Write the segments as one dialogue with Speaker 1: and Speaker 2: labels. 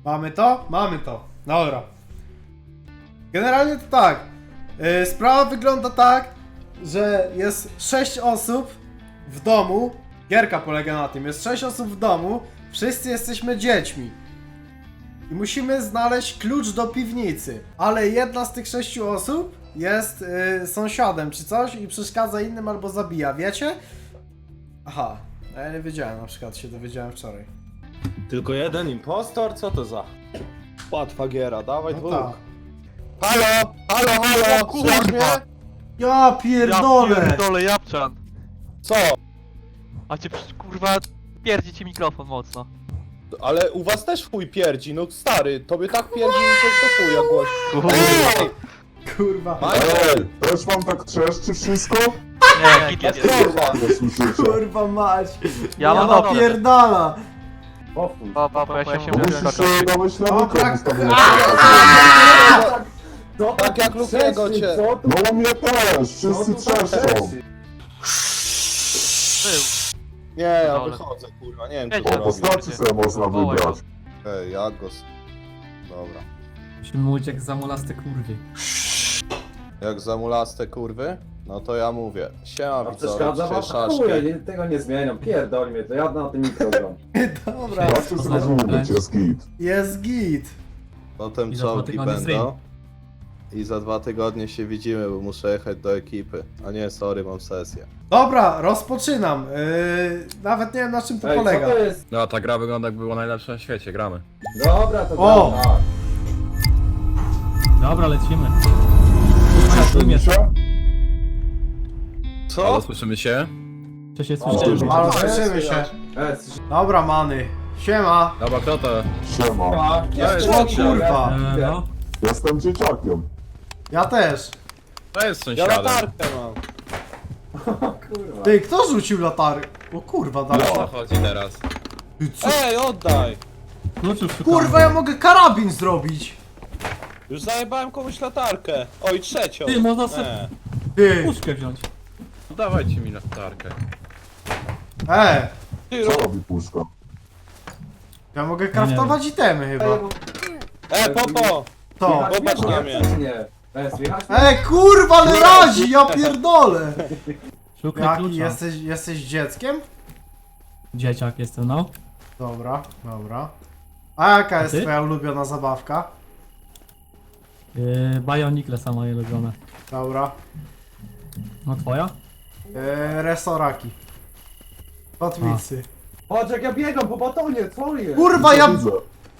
Speaker 1: Mamy to? Mamy to. Dobra. Generalnie to tak. Sprawa wygląda tak, że jest 6 osób w domu. Gierka polega na tym. Jest 6 osób w domu. Wszyscy jesteśmy dziećmi. I musimy znaleźć klucz do piwnicy. Ale jedna z tych 6 osób jest sąsiadem czy coś i przeszkadza innym albo zabija. Wiecie? Aha. Ja nie wiedziałem, na przykład się dowiedziałem wczoraj.
Speaker 2: Tylko jeden impostor? Co to za łatwa giera? Dawaj
Speaker 1: No
Speaker 2: dwóch.
Speaker 1: tak.
Speaker 2: Halo! Halo, halo! Słuchasz mnie?
Speaker 1: Ja pierdolę!
Speaker 3: Ja pierdolę, Japczan.
Speaker 2: Co?
Speaker 3: A cię kurwa pierdzi ci mikrofon mocno.
Speaker 2: Ale u was też chuj pierdzi, no stary, tobie tak pierdzi, że coś to chuja głośno. Ej!
Speaker 1: Kurwa.
Speaker 2: Michael!
Speaker 4: Też wam tak trzeszczy wszystko?
Speaker 3: Nie, git jest.
Speaker 2: Kurwa!
Speaker 4: Nie słyszycie.
Speaker 1: Kurwa mać.
Speaker 3: Ja mam dobre.
Speaker 1: napierdala.
Speaker 3: Bo ja się
Speaker 4: To musisz sobie dałeś na
Speaker 1: O,
Speaker 4: mikro
Speaker 1: tak.
Speaker 4: ustawić.
Speaker 2: Tak jak Lukiego cię.
Speaker 4: No u mnie też, wszyscy trzeszczą.
Speaker 2: Nie, ja
Speaker 3: Dole.
Speaker 2: wychodzę, kurwa, nie wiem co
Speaker 3: Wiecie,
Speaker 2: to
Speaker 3: no,
Speaker 2: robi.
Speaker 4: Postaci sobie można
Speaker 3: Wołaj
Speaker 4: wybrać.
Speaker 2: Ej, jak go... Dobra.
Speaker 5: Musimy uciec za mulaste kurwy.
Speaker 2: Jak zamulaste kurwy? No to ja mówię. Siema widzowie,
Speaker 6: Przeszkadza
Speaker 2: dzisiaj
Speaker 6: wam?
Speaker 2: szaszki.
Speaker 6: Chuja, tego nie zmieniam, pierdol mnie, to ja na tym mikro gram.
Speaker 1: Dobra.
Speaker 4: Zawsze zrozumieć, jest git.
Speaker 1: Jest git.
Speaker 2: Potem
Speaker 5: I za 2
Speaker 2: czołgi
Speaker 5: tygodnie
Speaker 2: będą.
Speaker 5: stream.
Speaker 2: I za 2 tygodnie się widzimy, bo muszę jechać do ekipy. A nie, sorry, mam sesję.
Speaker 1: Dobra, rozpoczynam. Nawet nie wiem na czym to
Speaker 6: Ej, co
Speaker 1: polega.
Speaker 6: to jest?
Speaker 7: No, ta gra wygląda jak była najlepsza na świecie, gramy.
Speaker 6: Dobra, to
Speaker 1: O!
Speaker 6: gram, tak.
Speaker 5: Dobra, lecimy.
Speaker 4: Słyszycie?
Speaker 2: Co?
Speaker 7: Halo, słyszymy się?
Speaker 5: Czy się
Speaker 6: O,
Speaker 5: słyszymy?
Speaker 1: Ale słyszymy się. Dobra, many. Siema.
Speaker 7: Dobra, kto to?
Speaker 4: Siema.
Speaker 1: O kurwa.
Speaker 5: No.
Speaker 4: Jestem dzieciakiem.
Speaker 1: Ja też.
Speaker 7: To jest
Speaker 2: Ja
Speaker 7: sąsiadem.
Speaker 2: latarkę mam.
Speaker 6: Kurwa.
Speaker 1: Ty, kto rzucił latarkę? O kurwa,
Speaker 7: O
Speaker 1: dalej.
Speaker 7: co chodzi teraz?
Speaker 1: Ty, co?
Speaker 2: Ej, oddaj!
Speaker 5: Kluczów szukamy.
Speaker 1: Kurwa, ja mogę karabin zrobić.
Speaker 2: Już zajebałem komuś latarkę. Oj, trzecią.
Speaker 5: Ty, można sobie
Speaker 2: Nie.
Speaker 1: Ty.
Speaker 5: puszkę wziąć.
Speaker 7: No dawajcie mi latarkę.
Speaker 2: Ty,
Speaker 4: Co
Speaker 2: ro...
Speaker 4: robi puszka?
Speaker 1: Ja mogę craftować itemy chyba.
Speaker 2: Popo!
Speaker 1: To.
Speaker 2: Popatrz na mnie.
Speaker 6: Czy nie? Słychać?
Speaker 1: Kurwa, ale razi, ja pierdolę.
Speaker 5: Szukaj
Speaker 1: Jaki,
Speaker 5: klucza.
Speaker 1: jesteś dzieckiem?
Speaker 5: Dzieciak jestem, no.
Speaker 1: Dobra, dobra. A jaka jest
Speaker 5: ty?
Speaker 1: twoja ulubiona zabawka?
Speaker 5: Bionikle sama moje ulubione.
Speaker 1: Dobra.
Speaker 5: No twoja?
Speaker 1: Resoraki. Kotwicy.
Speaker 6: Patrz jak ja biegam po batonie, co jest?
Speaker 1: Kurwa, ja...
Speaker 4: Widzę.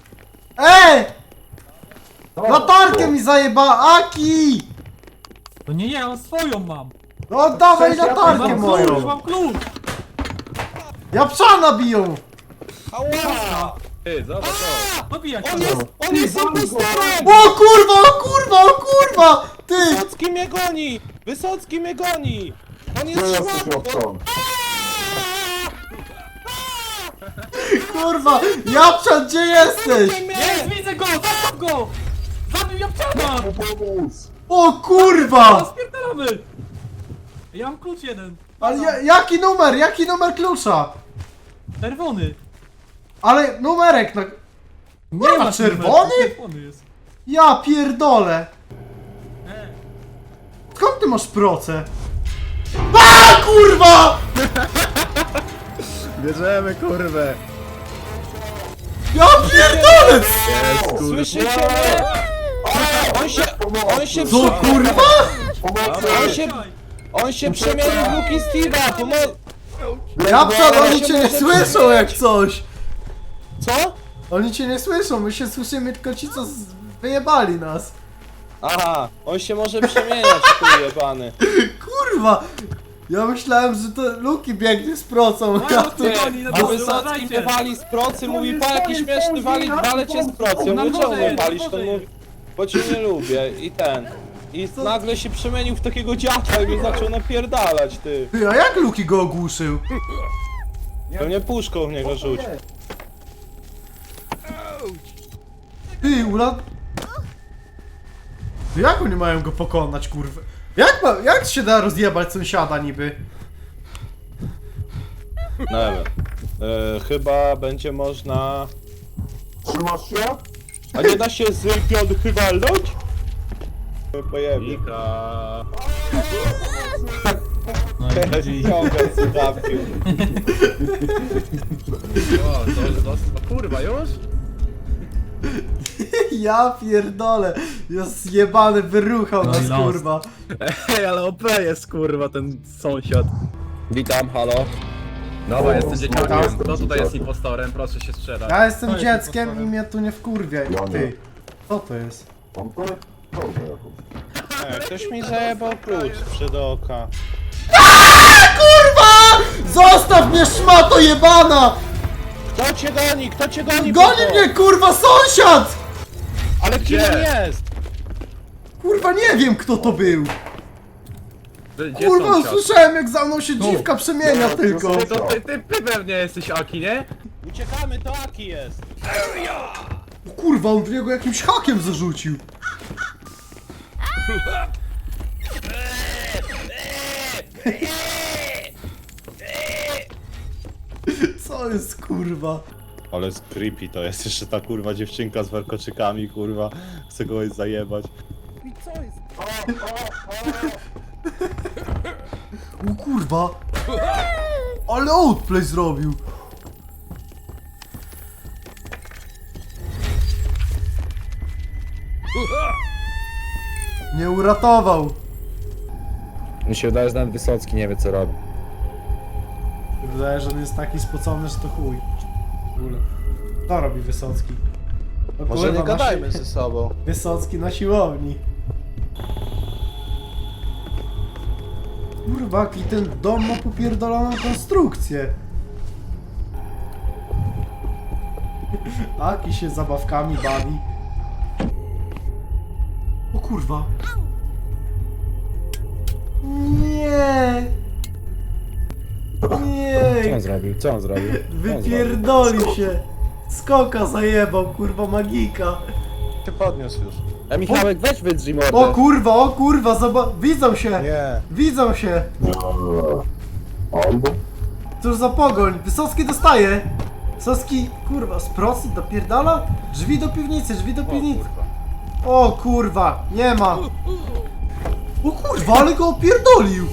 Speaker 6: Co?
Speaker 1: Latarkę mi zajeba! Aki!
Speaker 5: To nie ja, mam swoją mam.
Speaker 1: No oddawaj
Speaker 6: Cześć, ja
Speaker 1: latarkę
Speaker 6: mam
Speaker 5: Mam
Speaker 1: moją!
Speaker 5: klucz, mam klucz.
Speaker 1: Japszana biją!
Speaker 2: Ała!
Speaker 7: Ty, zobacz to.
Speaker 5: Dobijać
Speaker 2: On jest impostorem!
Speaker 1: O kurwa, o kurwa, o kurwa! Ty!
Speaker 2: Wysocki mnie goni! Wysocki mnie goni! On
Speaker 4: Gdzie
Speaker 2: jest
Speaker 4: jesteś,
Speaker 2: szmatą!
Speaker 4: Jopton?
Speaker 1: Kurwa! Japszan, gdzie jesteś?
Speaker 5: Jest, widzę go, zostaw go! Zabił Japczana!
Speaker 4: Pomóc!
Speaker 1: O kurwa!
Speaker 5: Spierdalamy! Ja mam klucz jeden.
Speaker 1: Ale jaki numer? Jaki numer klucza?
Speaker 5: Czerwony.
Speaker 1: Ale numerek na...
Speaker 5: Nie
Speaker 1: ma czerwony?
Speaker 5: Czerwony jest.
Speaker 1: Ja pierdolę! Skąd ty masz proce? A kurwa!
Speaker 7: Bierzemy kurwę.
Speaker 1: Ja pierdolę!
Speaker 2: Słyszycie mnie? On się
Speaker 1: Co kurwa?
Speaker 4: Pomocy!
Speaker 2: On się przemienił w Luki Steve'a!
Speaker 1: Japszan, oni cię nie słyszą jak coś!
Speaker 2: Co?
Speaker 1: Oni cię nie słyszą, my się słyszymy tylko ci, co wyjebali nas.
Speaker 2: Aha, on się może przemieniać, tu jebany.
Speaker 1: Kurwa! Ja myślałem, że to Luki biegnie z procą. Ja tu...
Speaker 2: A Wysocki mnie wali z procy, mówi pa jaki śmieszny wale cię z procy. Ja mówię czemu mnie walisz, to mówi, bo cię nie lubię i ten. I nagle się przemienił w takiego dziadka i mnie zaczął napierdalać, ty.
Speaker 1: Ty, a jak Luki go ogłuszył?
Speaker 2: Pewnie puszką w niego rzuć.
Speaker 1: Ty, Ula... Ty, jak oni mają go pokonać, kurwa? Jak się da rozjebać sąsiada niby?
Speaker 2: Nie wiem. Chyba będzie można...
Speaker 4: Trzymasz się?
Speaker 2: A nie da się z piątki walnąć? Pojemnie.
Speaker 7: Mika.
Speaker 2: Teraz ciągam słuchawki.
Speaker 7: O, kurwa, już?
Speaker 1: Ja pierdolę. Jest zjebany, wyruchał
Speaker 5: No i
Speaker 1: nas,
Speaker 5: los.
Speaker 1: kurwa.
Speaker 7: Ej, ale OP jest kurwa ten sąsiad.
Speaker 2: Witam, halo.
Speaker 7: Dobra, jestem
Speaker 4: Witam.
Speaker 7: dzieciakiem. Kto tutaj jest impostorem? Proszę się sprzedać.
Speaker 1: Ja jestem
Speaker 5: jest
Speaker 1: dzieckiem i
Speaker 5: impostorem.
Speaker 1: mnie tu nie wkurwiaj.
Speaker 4: Ja nie.
Speaker 1: Ty. Co to jest?
Speaker 4: Mam to? Dobrze jakąś.
Speaker 2: Ktoś mi zajebał klucz przed oka.
Speaker 1: Kurwa! Zostaw mnie, szmato jebana!
Speaker 2: Kto cię goni? Kto cię goni?
Speaker 1: Goni
Speaker 2: Bobo?
Speaker 1: mnie, kurwa, sąsiad!
Speaker 2: Ale kim
Speaker 7: Gdzie?
Speaker 2: on jest?
Speaker 1: Kurwa, nie wiem kto to był.
Speaker 7: Gdzie
Speaker 1: Kurwa,
Speaker 7: sąsiad?
Speaker 1: słyszałem jak za mną się dziwka przemienia tylko.
Speaker 7: Ty pewnie jesteś Aki, nie?
Speaker 2: Uciekamy, to Aki jest.
Speaker 1: O kurwa, on w niego jakimś hakiem zarzucił. Co jest, kurwa?
Speaker 2: Ale z creepy to jest jeszcze ta kurwa dziewczynka z warkoczykami, kurwa. Chcę go zajebać.
Speaker 1: O kurwa. Ale outplay zrobił. Nie uratował.
Speaker 8: Mi się wydaje, że nawet Wysocki nie wie co robi.
Speaker 1: Wydaje, że on jest taki spocony, że to chuj. W ogóle. To robi Wysocki. O
Speaker 2: Może
Speaker 1: kurwa,
Speaker 2: nie
Speaker 1: na
Speaker 2: gadajmy
Speaker 1: si-
Speaker 2: ze sobą.
Speaker 1: Wysocki na siłowni. Kurwa, jaki ten dom ma popierdoloną konstrukcję. Aki się zabawkami bawi. O kurwa. Nie.
Speaker 8: Co
Speaker 1: Nie.
Speaker 8: on zrobił? Co on zrobił? Co on zrobił?
Speaker 1: Wypierdolił się. Skoka zajebał, kurwa, magika.
Speaker 2: Się podniósł już.
Speaker 8: A Michałek, weź wydrzyj mordę.
Speaker 1: O kurwa, widzą się.
Speaker 2: Nie.
Speaker 1: Widzą się.
Speaker 4: Albo?
Speaker 1: Cóż za pogoń. Wysocki dostaje. Wysocki, kurwa, z procy dopierdala? Drzwi do piwnicy, drzwi do piwnicy. O kurwa, nie ma. O kurwa, ale go opierdolił.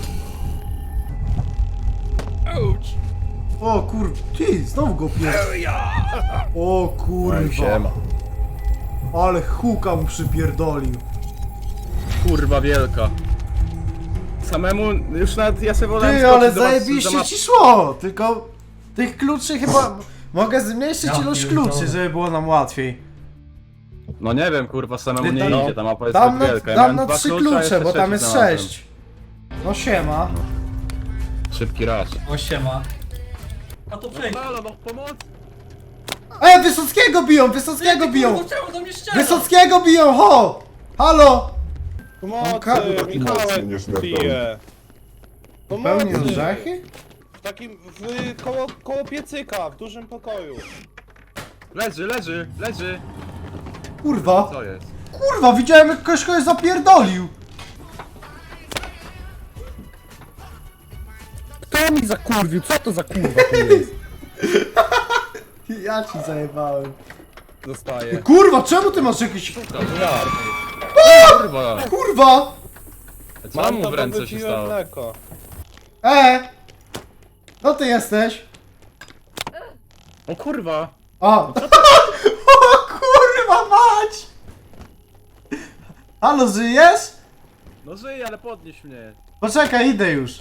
Speaker 1: O kurwa, ty, znowu go opierdolił. O kurwa. Ale huka mu przypierdolił.
Speaker 7: Kurwa wielka. Samemu już nawet ja sobie wolałem
Speaker 1: Ty, ale
Speaker 7: skoczyć do was za
Speaker 1: zajebiście
Speaker 7: map-
Speaker 1: ci szło. Tylko tych kluczy chyba... Mogę zmniejszyć
Speaker 6: Ja
Speaker 1: ilość
Speaker 6: pierdolę.
Speaker 1: kluczy, żeby było nam łatwiej.
Speaker 7: No nie wiem, kurwa, samemu
Speaker 1: Ty,
Speaker 7: nie
Speaker 1: no,
Speaker 7: idzie, ta mapa jest
Speaker 1: Dam
Speaker 7: tak
Speaker 1: na,
Speaker 7: wielka. Ja
Speaker 1: dam
Speaker 7: miałem
Speaker 1: na
Speaker 7: dwa
Speaker 1: 3
Speaker 7: klucze, a
Speaker 1: klucze,
Speaker 7: jeszcze
Speaker 1: bo tam
Speaker 7: trzeci
Speaker 1: jest
Speaker 7: znalazłem.
Speaker 1: 6. No siema.
Speaker 7: Szybki raz.
Speaker 5: O siema. A to przejdź.
Speaker 7: Halo, no pomoc!
Speaker 1: Wysockiego biją, Wysockiego biją!
Speaker 5: Kurwa, czemu do mnie strzela?
Speaker 1: Wysockiego biją, ho! Halo!
Speaker 2: Pomocy,
Speaker 4: Mocny
Speaker 2: Michałek
Speaker 4: nie śmiertelny.
Speaker 2: pije.
Speaker 1: Pełni
Speaker 2: Pomocy.
Speaker 1: orzechy?
Speaker 2: W takim, koło piecyka, w dużym pokoju.
Speaker 7: Leży!
Speaker 1: Kurwa,
Speaker 7: Co jest?
Speaker 1: kurwa, widziałem jak ktoś kogoś zapierdolił.
Speaker 8: Kto mi zakurwił? Co to za kurwa tu jest?
Speaker 1: Ja ci zajebałem.
Speaker 8: Dostaję.
Speaker 1: Kurwa, czemu ty masz jakiś...
Speaker 7: Kurwa!
Speaker 1: Kurwa!
Speaker 7: Co mu
Speaker 2: to,
Speaker 7: w
Speaker 2: bo
Speaker 7: ręce się
Speaker 2: wypiłem
Speaker 7: stało?
Speaker 2: mleko.
Speaker 1: No ty jesteś?
Speaker 7: O kurwa!
Speaker 1: O! O kurwa mać! Halo, żyjesz?
Speaker 7: No żyj, ale podnieś mnie.
Speaker 1: Poczekaj, idę już.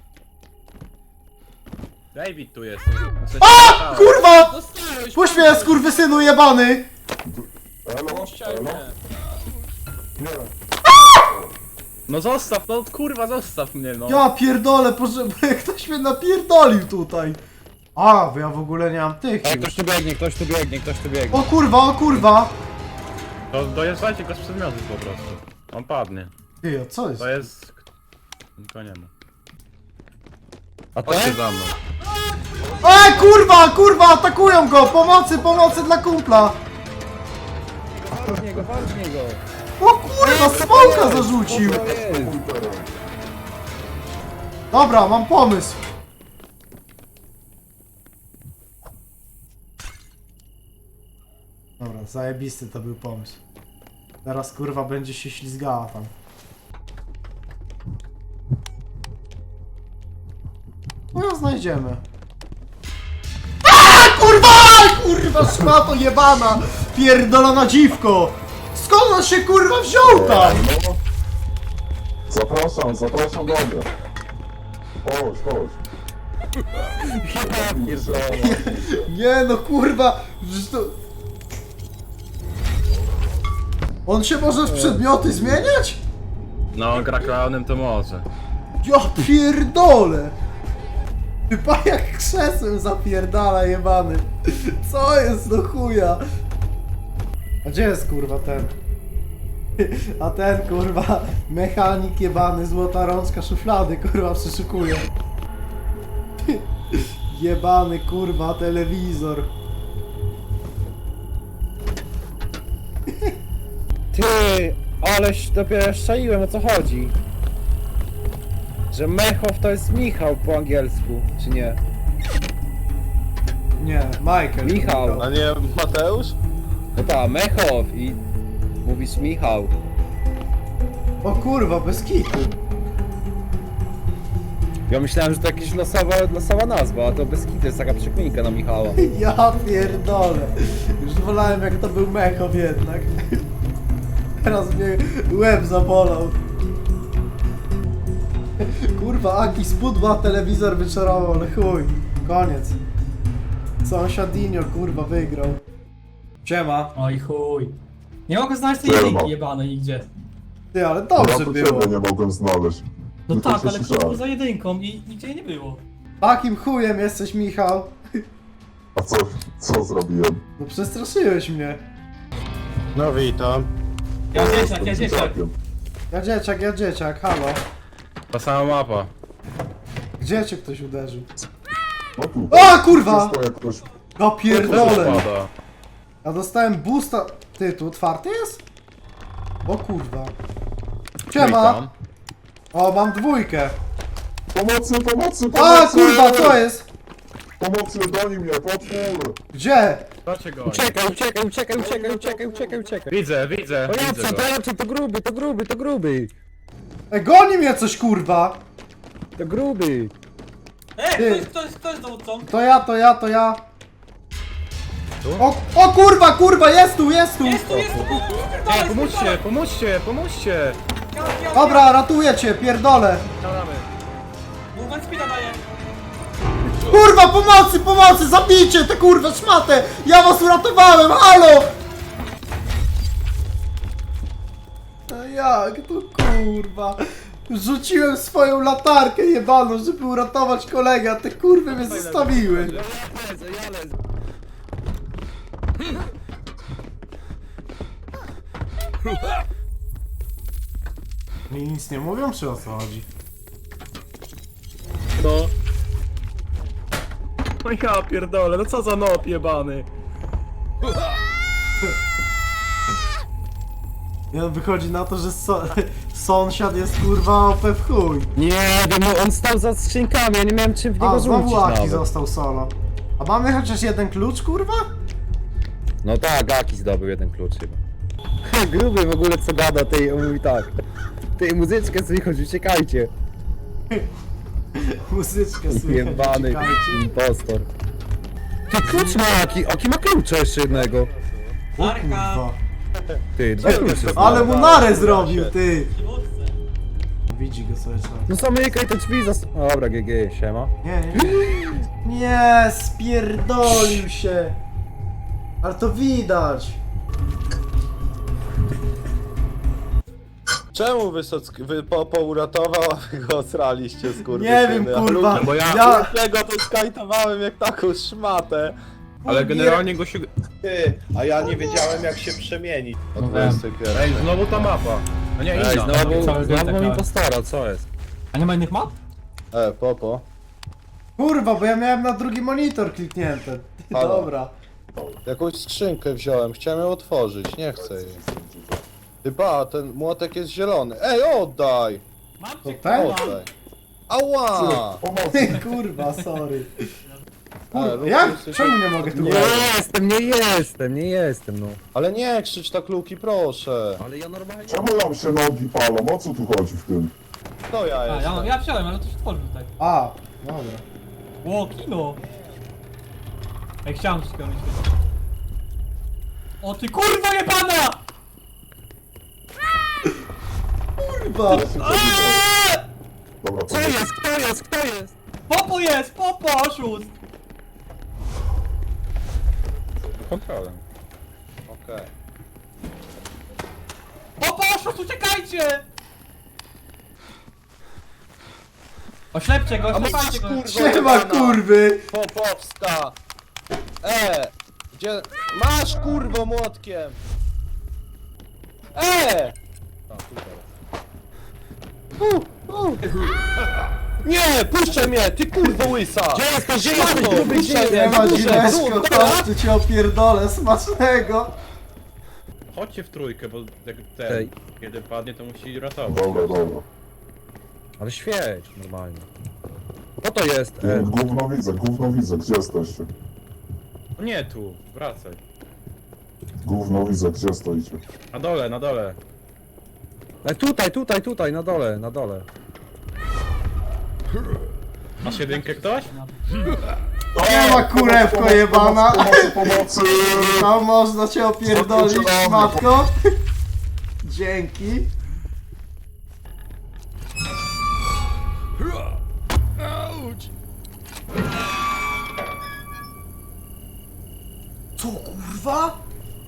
Speaker 7: David tu jest.
Speaker 1: A! Kurwa!
Speaker 5: Dostałeś.
Speaker 1: Puść mnie, skurwysynu jebany!
Speaker 4: Elo? Elo? Nie.
Speaker 7: No zostaw, no kurwa zostaw mnie no.
Speaker 1: Ja pierdolę, ktoś mnie napierdolił tutaj. A, bo ja w ogóle nie mam tych.
Speaker 8: Ktoś tu biegnie, ktoś tu biegnie, ktoś tu biegnie.
Speaker 1: O kurwa, o kurwa!
Speaker 7: To dojeżdżajcie go z przedmiotów po prostu. On padnie.
Speaker 1: Ty, a co jest?
Speaker 7: To jest... Nikogo nie ma.
Speaker 8: A to?
Speaker 7: Chodźcie za mną.
Speaker 1: Kurwa, kurwa, atakują go! Pomocy, pomocy dla kumpla!
Speaker 8: Walcz niego, walcz niego.
Speaker 1: O kurwa, smoka zarzucił!
Speaker 8: Co to jest?
Speaker 1: Dobra, mam pomysł. Dobra, zajebisty to był pomysł. Teraz kurwa będzie się ślizgała tam. No ją znajdziemy. Kurwa! Kurwa szmato jebana! Pierdolona dziwko! Skąd on się kurwa wziął tam?
Speaker 4: No. Zapraszam do mnie. Chodź, chodź.
Speaker 1: Nie no kurwa! Przecież to... On się może w przedmioty zmieniać?
Speaker 7: No, gra klaunem to może.
Speaker 1: Ja pierdolę! Chyba jak krzesłem zapierdala jebany. Co jest do chuja? A gdzie jest kurwa ten? A ten kurwa mechanik jebany, złota rączka szuflady kurwa przeszukuje. Jebany kurwa telewizor.
Speaker 8: Ty, aleś dopiero szczaiłem, o co chodzi? Że Mechow to jest Michał po angielsku, czy nie?
Speaker 1: Nie, Michael.
Speaker 8: Michał.
Speaker 2: A nie Mateusz?
Speaker 8: No ta, Mechow i mówisz Michał.
Speaker 1: O kurwa, bez kitu.
Speaker 8: Ja myślałem, że to jakaś losowa nazwa, a to bez kitu jest taka przekminka na Michała.
Speaker 1: Ja pierdolę. Już wolałem jak to był Mechow jednak. Teraz mnie łeb zabolał. Kurwa, Aki spudła telewizor wyczarował, ale chuj. Koniec. Sąsiadinio kurwa wygrał. Siema.
Speaker 5: Oj chuj. Nie mogę znaleźć tej
Speaker 4: Siema.
Speaker 5: jedynki jebanej nigdzie.
Speaker 1: Ty, ale
Speaker 4: Ja
Speaker 1: dobrze
Speaker 4: tu
Speaker 1: było.
Speaker 4: ciebie nie mogłem znaleźć.
Speaker 5: No
Speaker 4: Tylko
Speaker 5: tak,
Speaker 4: się
Speaker 5: ale
Speaker 4: słyszałem.
Speaker 5: kurwa za jedynką i nigdzie jej nie było.
Speaker 1: Takim chujem jesteś, Michał.
Speaker 4: A co zrobiłem?
Speaker 1: No przestraszyłeś mnie.
Speaker 2: No witam.
Speaker 5: Ja dzieciak, ja
Speaker 4: Jestem
Speaker 5: dzieciak.
Speaker 4: dzieciakiem.
Speaker 1: Ja dzieciak, halo.
Speaker 7: Ta sama mapa.
Speaker 1: Gdzie cię ktoś uderzył?
Speaker 4: No tu.
Speaker 1: O kurwa!
Speaker 4: Wszystko jak ktoś...
Speaker 1: No pierdolę.
Speaker 7: Spada.
Speaker 1: Ja dostałem boosta. Ty, tu otwarty jest? O kurwa. Siema.
Speaker 7: Witam.
Speaker 1: O, mam dwójkę.
Speaker 4: Pomocy, pomocy,
Speaker 1: A
Speaker 4: pomocy!
Speaker 1: kurwa, co jest?
Speaker 4: Pomocy, goni mnie, potwór!
Speaker 1: Gdzie?
Speaker 7: Dlaczego go?
Speaker 8: Uciekaj.
Speaker 7: Widzę.
Speaker 8: O
Speaker 7: Widzę go.
Speaker 8: to gruby.
Speaker 1: Goni mnie coś kurwa.
Speaker 8: To gruby.
Speaker 1: Ty.
Speaker 5: Kto jest dowódcą?
Speaker 1: To ja. O kurwa, jest tu.
Speaker 5: Jest tu,
Speaker 7: Pomóżcie.
Speaker 1: Dobra, ratuję cię, pierdolę.
Speaker 5: Movement speeda daje.
Speaker 1: Kurwa, pomocy, zabijcie tę kurwa szmatę. Ja was uratowałem, halo. A jak to kurwa? Rzuciłem swoją latarkę jebaną, żeby uratować kolegę, a te kurwy mnie zostawiły. Mi nic nie mówią, czy o co chodzi?
Speaker 7: No. No ja pierdolę, no co za nop jebany.
Speaker 1: Ja wychodzi na to, że sąsiad jest kurwa OP w chuj.
Speaker 8: Nie, no on stał za skrzynkami, ja nie miałem czym w niego
Speaker 1: A,
Speaker 8: rzucić
Speaker 1: znowu Aki
Speaker 8: nawet.
Speaker 1: został solo. A mamy chociaż jeden klucz, kurwa?
Speaker 8: No tak, Aki zdobył jeden klucz chyba. Gruby w ogóle co gada, tej on mówi tak. Tej muzyczkę słychać, uciekajcie.
Speaker 1: Muzyczkę słychać,
Speaker 8: Jebany
Speaker 1: uciekajcie.
Speaker 8: impostor. Ty klucz ma Aki, Aki ma klucza jeszcze jednego.
Speaker 1: O kurwa.
Speaker 8: Ty, dwa klucze.
Speaker 1: Ale mu narę zrobił, ty! Widzi go sobie człowiek.
Speaker 8: No zamykaj te drzwi Dobra, GG, siema.
Speaker 1: Nie, spierdolił się! Ale to widać!
Speaker 2: Czemu Wysocki pouratował, a wy go osraliście z
Speaker 1: Nie wiem, kurwa,
Speaker 7: bo ja-
Speaker 2: Dlatego to skajtowałem jak taką szmatę.
Speaker 7: Ale generalnie go się...
Speaker 2: Ty, a ja nie wiedziałem jak się przemienić.
Speaker 5: No
Speaker 2: Od 21.
Speaker 7: Ej, znowu ta mapa. A nie, inna.
Speaker 8: Znowu mam impostora, co jest?
Speaker 5: A nie ma innych map?
Speaker 2: Popo.
Speaker 1: Kurwa, bo ja miałem na drugi monitor kliknięty.
Speaker 2: Halo.
Speaker 1: Dobra.
Speaker 2: Jakąś skrzynkę wziąłem, chciałem ją otworzyć, nie chcę jej. Chyba, ten młotek jest zielony. Ej, oddaj!
Speaker 5: Mam
Speaker 1: To
Speaker 5: cię,
Speaker 1: ten?
Speaker 2: Oddaj. Ała!
Speaker 4: Pomocy!
Speaker 1: Kurwa, sorry. Kur... Jak? Czemu nie mogę tu
Speaker 8: Nie
Speaker 1: wejść?
Speaker 8: nie jestem, no.
Speaker 2: Ale nie krzycz tak, Luki, proszę.
Speaker 8: Ale ja normalnie...
Speaker 4: Czemu nam się nogi palą? O co tu chodzi w tym?
Speaker 2: To ja
Speaker 5: A,
Speaker 2: jestem.
Speaker 5: ja wsiadłem, ale to się tworzy tutaj.
Speaker 1: A, dobra.
Speaker 5: Ło, kino! Ej, chciałem coś robić. O ty kurwa jebana!
Speaker 1: Kurwa!
Speaker 4: Dobra,
Speaker 8: Kto jest? Kto jest? Kto jest?
Speaker 5: Popo jest! Popo, oszust!
Speaker 7: Kontrolę.
Speaker 2: Okej.
Speaker 5: Popo, oszust, uciekajcie! Oślepcie go, oślepajcie go!
Speaker 2: kurwa.
Speaker 1: Siema kurwy!
Speaker 2: Popowska! Gdzie... Masz kurwo młotkiem! Nie, puszczaj mnie, ty kurwo łysa! Gdzie jesteś? Gdzie jesteś? Gruby, puszczaj mnie,
Speaker 1: Nie ma
Speaker 2: puszczaj,
Speaker 1: dziweczko, to cię opierdolę, smacznego!
Speaker 7: Chodźcie w trójkę, bo jak ten,
Speaker 8: Ej.
Speaker 7: kiedy padnie, to musi ratować.
Speaker 4: dobra.
Speaker 8: Ale świeć, normalnie. Co to jest?
Speaker 4: Gówno widzę, gdzie jesteście?
Speaker 7: No nie tu, wracaj.
Speaker 4: Gówno widzę, gdzie stoicie?
Speaker 7: Na dole, na dole.
Speaker 8: Tutaj, na dole.
Speaker 7: Masz jedynkę ktoś?
Speaker 1: Nie ma kurewko jebana!
Speaker 4: Pomocy!
Speaker 1: No można cię opierdolić, matko! Dzięki! Co kurwa?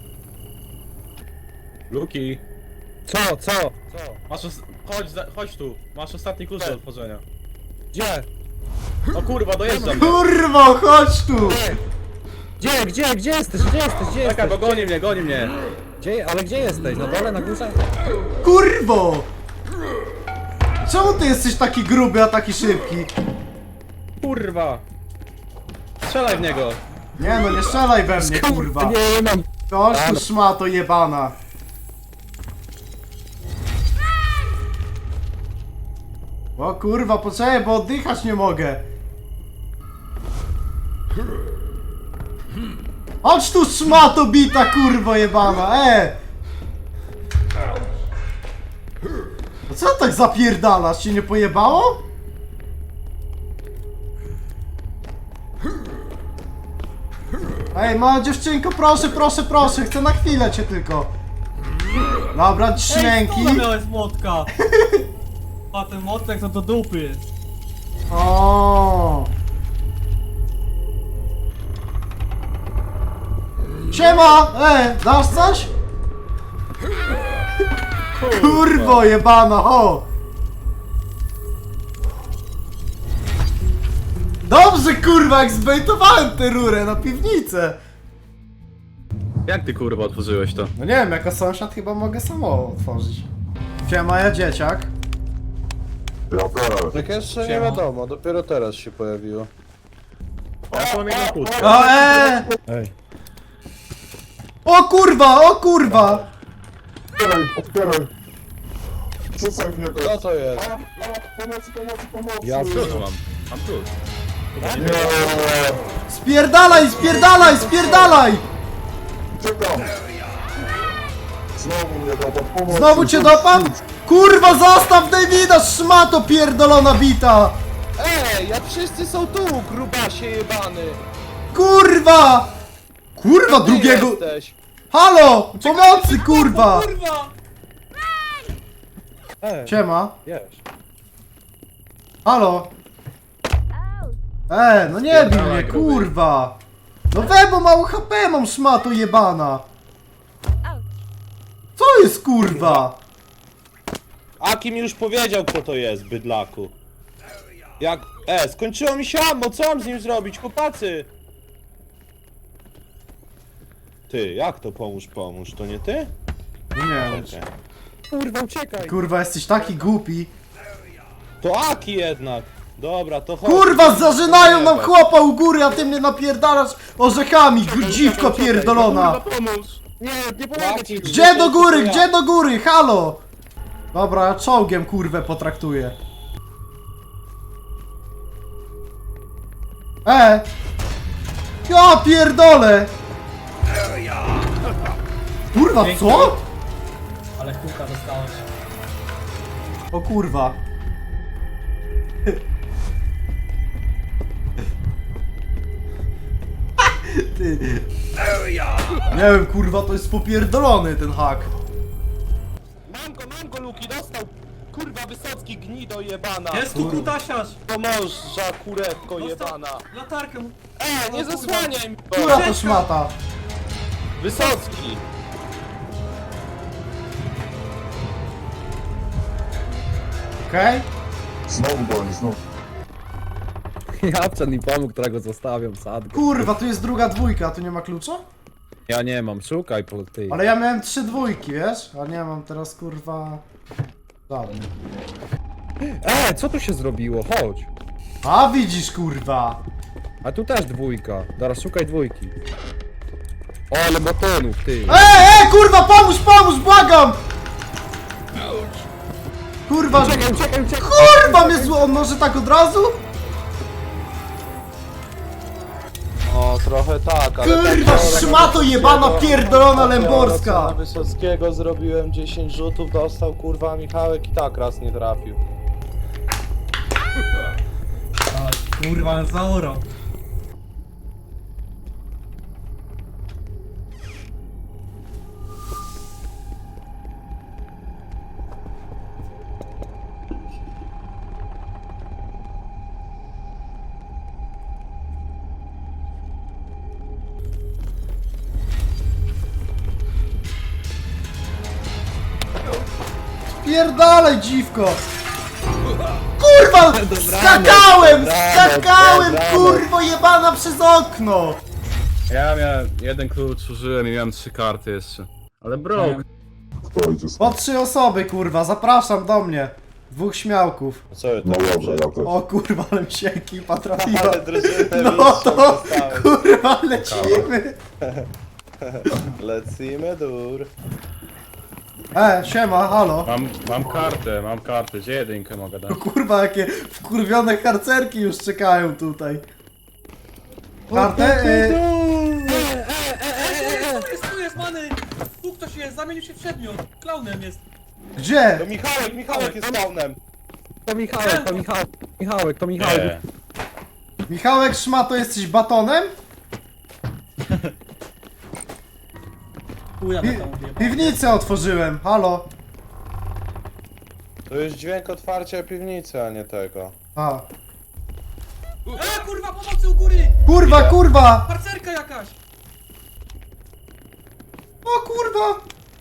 Speaker 7: Luki.
Speaker 8: Co?
Speaker 7: Masz chodź tu. Masz ostatni klucz do otworzenia.
Speaker 8: Gdzie?
Speaker 7: O kurwa, dojeżdżam.
Speaker 1: Kurwo, chodź tu!
Speaker 8: Gdzie jesteś?
Speaker 7: Czekaj, bo goni mnie.
Speaker 8: Ale gdzie jesteś? Na dole, na górze?
Speaker 1: Kurwo! Czemu ty jesteś taki gruby, a taki szybki?
Speaker 7: Kurwa. Strzelaj w niego.
Speaker 1: Nie no, nie strzelaj we mnie, kurwa!
Speaker 8: Nie mam.
Speaker 1: Chodź tu szmato jebana! O kurwa, poczekaj, bo oddychać nie mogę! Chodź tu szmato bita, kurwo jebana, No co tak zapierdalasz? Ci nie pojebało? Ej, mała dziewczynko, proszę, chcę na chwilę cię tylko. Dobra,
Speaker 5: Ej,
Speaker 1: śmięki.
Speaker 5: skąd miałeś młotka? A ten młotek to do dupy jest.
Speaker 1: O. Siema! Dasz coś? Kurwo jebana, ho! Dobrze kurwa, jak zbejtowałem tę rurę na piwnicę!
Speaker 7: Jak ty kurwa otworzyłeś to?
Speaker 1: No nie wiem, jako sąsiad chyba mogę samo otworzyć. Siema, ja dzieciak.
Speaker 4: Ja też.
Speaker 2: Tak jeszcze nie wiadomo, dopiero teraz się pojawiło.
Speaker 7: Ja mam jedną kłódkę.
Speaker 1: O,
Speaker 8: Ej.
Speaker 1: O kurwa!
Speaker 4: Otwieraj! Rzucaj w niego!
Speaker 2: Co to jest?
Speaker 4: Pomocy!
Speaker 8: Ja
Speaker 7: Klucz mam klucz.
Speaker 4: Nie!
Speaker 1: Spierdalaj!
Speaker 4: Czekam! Znowu mnie dopadł, pomocy!
Speaker 1: Znowu cię dopadł? Kurwa, zostaw Davida, szmato pierdolona bita!
Speaker 2: Jak wszyscy są tu, grubasie jebany!
Speaker 1: Kurwa! Kurwa,
Speaker 2: Ty
Speaker 1: drugiego...
Speaker 2: jesteś.
Speaker 1: Halo! Pomocy, kurwa!
Speaker 5: Kurwa!
Speaker 1: Siema.
Speaker 8: Wiesz.
Speaker 1: Halo? No nie bij mnie, kurwa! No bo mało HP mam, szmato jebana! Co jest, kurwa?
Speaker 2: Akim już powiedział, kto to jest, bydlaku. Jak... skończyło mi się ammo, co mam z nim zrobić, chłopacy? Ty, jak to pomóż, to nie ty?
Speaker 1: No nie wiem.
Speaker 2: Czekaj.
Speaker 8: Kurwa, uciekaj.
Speaker 1: Kurwa, jesteś taki głupi.
Speaker 2: To Aki jednak. Dobra, to chodź.
Speaker 1: Kurwa, zażynają nam chłopa u góry, a ty mnie napierdalasz orzechami, dziwko pierdolona!
Speaker 7: Kurwa, pomóż.
Speaker 8: Nie pomogę ci.
Speaker 1: Gdzie do góry, halo! Dobra, ja czołgiem kurwę potraktuję. Ja pierdolę! Kurwa, co?
Speaker 5: Ale kuka dostałeś.
Speaker 1: O kurwa. Ty. Nie wiem, kurwa, to jest popierdolony ten hak.
Speaker 2: Mam go, Luki, dostał! Kurwa, Wysocki gnido jebana!
Speaker 5: Jest tu kutasiarz!
Speaker 2: Pomorza, kurewko
Speaker 5: Dostał
Speaker 2: jebana!
Speaker 5: latarkę mu.
Speaker 2: Nie zasłaniaj mi go!
Speaker 1: Która to szmata?
Speaker 2: Wysocki!
Speaker 1: Okej?
Speaker 4: Znowu goni, znowu.
Speaker 8: Japczan mi pomógł, którego zostawiam, sadkę.
Speaker 1: Kurwa, tu jest druga dwójka, a tu nie ma klucza?
Speaker 8: Ja nie mam, szukaj po ty.
Speaker 1: Ale ja miałem 3 dwójki, wiesz? A nie mam teraz kurwa... Żadnej.
Speaker 8: Co tu się zrobiło? Chodź.
Speaker 1: A widzisz, kurwa!
Speaker 8: A tu też dwójka. Teraz szukaj dwójki. O, ale batonów, ty.
Speaker 1: Kurwa, pomóż, błagam! Kurwa,
Speaker 8: Uciekaj.
Speaker 1: kurwa mnie zło... On może tak od razu?
Speaker 2: O, trochę tak, ale...
Speaker 1: Kurwa, szmato jebana pierdolona lęborska!
Speaker 2: Na Wysockiego zrobiłem 10 rzutów, dostał kurwa Michałek i tak raz nie trafił.
Speaker 5: Kurwa, ale zaorał.
Speaker 1: Pierdalej, dziwko! Kurwa! Skakałem! Kurwo jebana przez okno!
Speaker 7: Ja miałem jeden klucz, użyłem i miałem 3 karty jeszcze. Ale broke.
Speaker 4: Kto idzie
Speaker 1: Po 3 osoby, kurwa, zapraszam do mnie. 2 śmiałków.
Speaker 2: Co
Speaker 4: No dobrze, ja też.
Speaker 1: O kurwa, ale mi się ekipa trafiła.
Speaker 2: Ale drużynę
Speaker 1: No to, kurwa, lecimy.
Speaker 2: Lecimy dur.
Speaker 1: Siema, halo.
Speaker 7: Mam kartę, gdzie jedynkę mogę dać?
Speaker 1: Kurwa, jakie wkurwione harcerki już czekają tutaj. Kartę?
Speaker 5: Tu jest, many! Tu ktoś jest, zamienił się w przedmiot. Klaunem jest.
Speaker 1: Gdzie?
Speaker 2: To Michałek jest spawnem.
Speaker 8: To Michałek.
Speaker 7: Nie.
Speaker 1: Michałek Szmato, jesteś batonem?
Speaker 5: Chuja na tam odjebał.
Speaker 1: Piwnicę otworzyłem, halo.
Speaker 2: To jest dźwięk otwarcia piwnicy, a nie tego.
Speaker 1: A.
Speaker 5: Kurwa, pomocy u góry!
Speaker 1: Kurwa!
Speaker 5: Harcerka jakaś!
Speaker 1: O kurwa!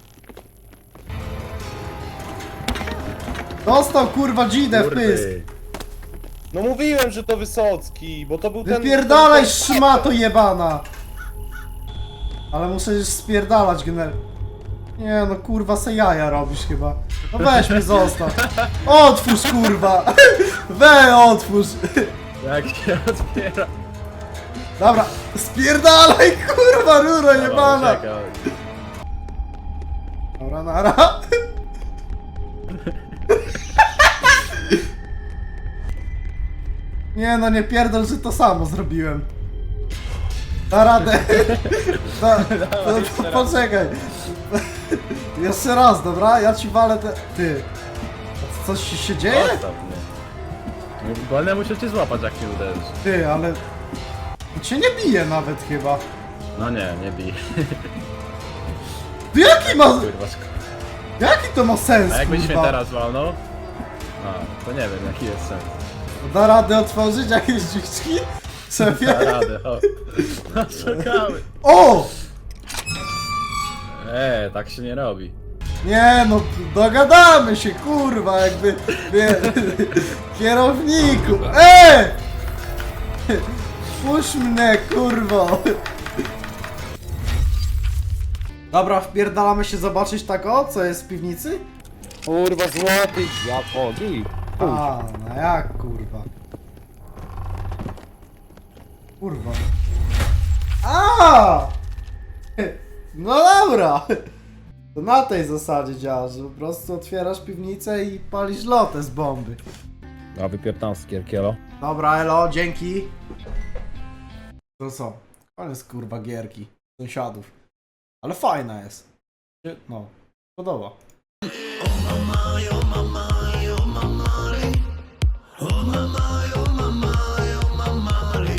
Speaker 1: Dostał kurwa dzidę w pysk.
Speaker 2: No mówiłem, że to Wysocki, bo to był ten...
Speaker 1: Wypierdalaj
Speaker 2: ten-
Speaker 1: szmato jebana! Ale muszę już spierdalać Nie no kurwa, se jaja robisz chyba. No weź mnie zostaw. Otwórz kurwa! Otwórz!
Speaker 7: Jak się otwiera?
Speaker 1: Dobra, spierdalaj kurwa ruro jebana!
Speaker 7: Czekaj.
Speaker 1: Dobra, nara. Nie no, nie pierdol, że to samo zrobiłem. Da radę. Poczekaj. Jeszcze raz, dobra? Ja ci walę te... Ty. A coś się dzieje?
Speaker 7: Zostaw mnie. Wolne muszę cię złapać, jak mnie uderzysz.
Speaker 1: Ty, ale... To cię nie bije nawet chyba.
Speaker 7: No nie bij.
Speaker 1: Ty jaki ma...
Speaker 7: Kurwa,
Speaker 1: Jaki to ma sens,
Speaker 7: a jakbyś mnie
Speaker 1: kurwa?
Speaker 7: teraz walnął? A, to nie wiem, jaki jest sens.
Speaker 1: Da radę otworzyć jakieś drzwiczki? Szefie?
Speaker 7: Da radę, o. No, szukamy.
Speaker 1: O!
Speaker 7: Tak się nie robi.
Speaker 1: Nie no, dogadamy się, kurwa, jakby... Kierowniku! Puść mnie, kurwo! Dobra, wpierdalamy się zobaczyć tak o, co jest w piwnicy?
Speaker 2: Kurwa, złoty!
Speaker 8: O, git.
Speaker 1: A, no jak kurwa? Kurwa. A! No dobra! To na tej zasadzie działa, że po prostu otwierasz piwnicę i palisz lotę z bomby.
Speaker 8: A wypiertam z kierkielo.
Speaker 1: Dobra, elo, dzięki. To co? Ale jest kurwa gierki sąsiadów. Ale fajna jest. No, podoba.
Speaker 9: Oh mama, oh mama, oh mama, oh mama, oh